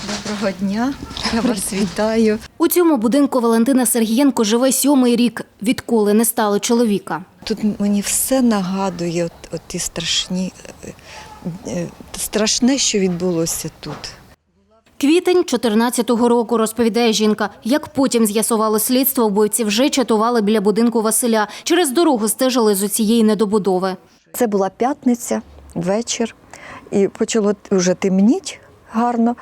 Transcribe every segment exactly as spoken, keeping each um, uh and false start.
Доброго дня, я вас вітаю. У цьому будинку Валентина Сергієнко живе сьомий рік, відколи не стало чоловіка. Тут мені все нагадує от, от ті страшні, е, е, страшне, що відбулося тут. Квітень чотирнадцятого року, розповідає жінка. Як потім з'ясувало слідство, вбивці вже чатували біля будинку Василя. Через дорогу стежили з оцієї недобудови. Це була п'ятниця, вечір, і почало вже темніть гарно.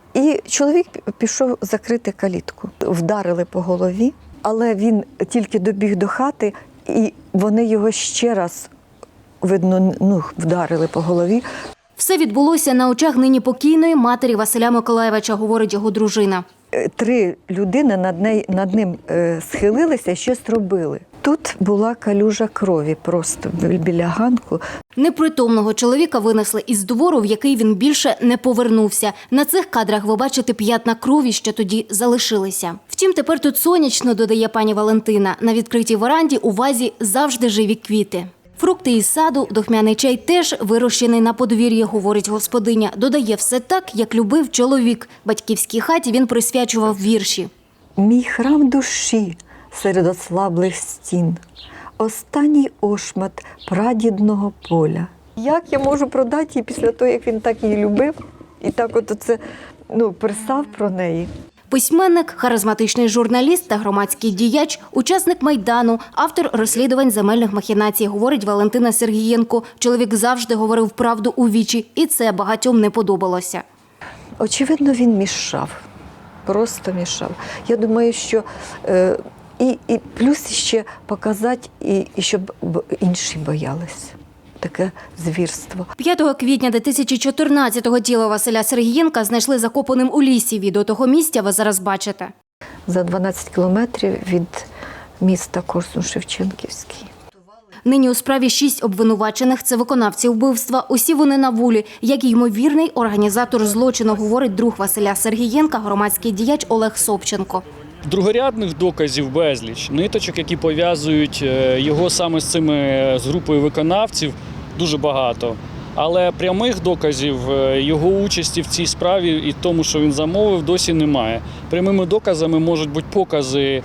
І чоловік пішов закрити калітку. Вдарили по голові, але він тільки добіг до хати, і вони його ще раз, видно, ну, вдарили по голові. Все відбулося на очах нині покійної матері Василя Миколайовича, говорить його дружина. Три людини над, неї, над ним е, схилилися і щось робили. Тут була калюжа крові просто біля ганку. Непритомного чоловіка винесли із двору, в який він більше не повернувся. На цих кадрах ви бачите п'ятна крові, що тоді залишилися. Втім, тепер тут сонячно, додає пані Валентина. На відкритій веранді у вазі завжди живі квіти. Фрукти із саду, духмяний чай теж вирощений на подвір'ї, говорить господиня. Додає, все так, як любив чоловік. Батьківській хаті він присвячував вірші. Мій храм душі серед ослаблих стін, останній ошмат прадідного поля. Як я можу продати її після того, як він так її любив, і так от оце, ну, писав про неї? Письменник, харизматичний журналіст та громадський діяч, учасник Майдану, автор розслідувань земельних махінацій, говорить Валентина Сергієнко. Чоловік завжди говорив правду у вічі, і це багатьом не подобалося. Очевидно, він мішав, просто мішав. Я думаю, що е, і, і плюс ще показати, і, і щоб інші боялися. Таке звірство. п'ятого квітня дві тисячі чотирнадцятого тіло Василя Сергієнка знайшли закопаним у лісі. Відео того місця ви зараз бачите. За дванадцять кілометрів від міста Корсунь-Шевченківський. Нині у справі шість обвинувачених – це виконавці вбивства. Усі вони на волі. Як і ймовірний організатор злочину, говорить друг Василя Сергієнка, громадський діяч Олег Собченко. Другорядних доказів безліч, ниточок, які пов'язують його саме з цими, з групою виконавців, дуже багато. Але прямих доказів його участі в цій справі і тому, що він замовив, досі немає. Прямими доказами можуть бути покази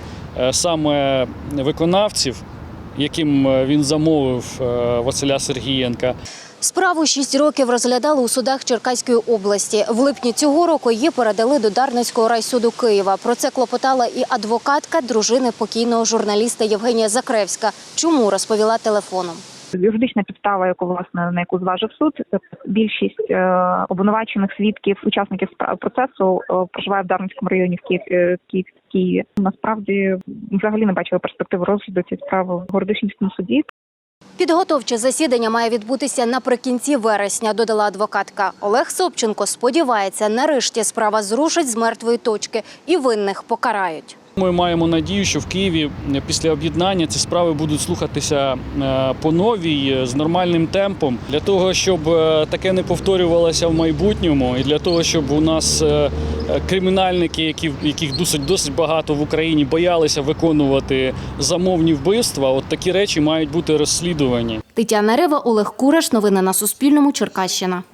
саме виконавців, яким він замовив Василя Сергієнка. Справу шість років розглядали у судах Черкаської області. В липні цього року її передали до Дарницького райсуду Києва. Про це клопотала і адвокатка дружини покійного журналіста Євгенія Закревська. Чому, розповіла телефоном. Юридична підстава, яку власне на яку зважив суд, більшість е, обвинувачених свідків, учасників процесу е, проживає в Дарницькому районі в Києві. Київ, Києві. Насправді взагалі не бачили перспективи розгляду цієї справи в Городищенському суді. Підготовче засідання має відбутися наприкінці вересня, додала адвокатка. Олег Собченко сподівається, нарешті справа зрушить з мертвої точки і винних покарають. Ми маємо надію, що в Києві після об'єднання ці справи будуть слухатися по новій, з нормальним темпом. Для того, щоб таке не повторювалося в майбутньому і для того, щоб у нас кримінальники, які, яких досить, досить багато в Україні, боялися виконувати замовні вбивства, от такі речі мають бути розслідувані. Тетяна Рева, Олег Кураш. Новини на Суспільному. Черкащина.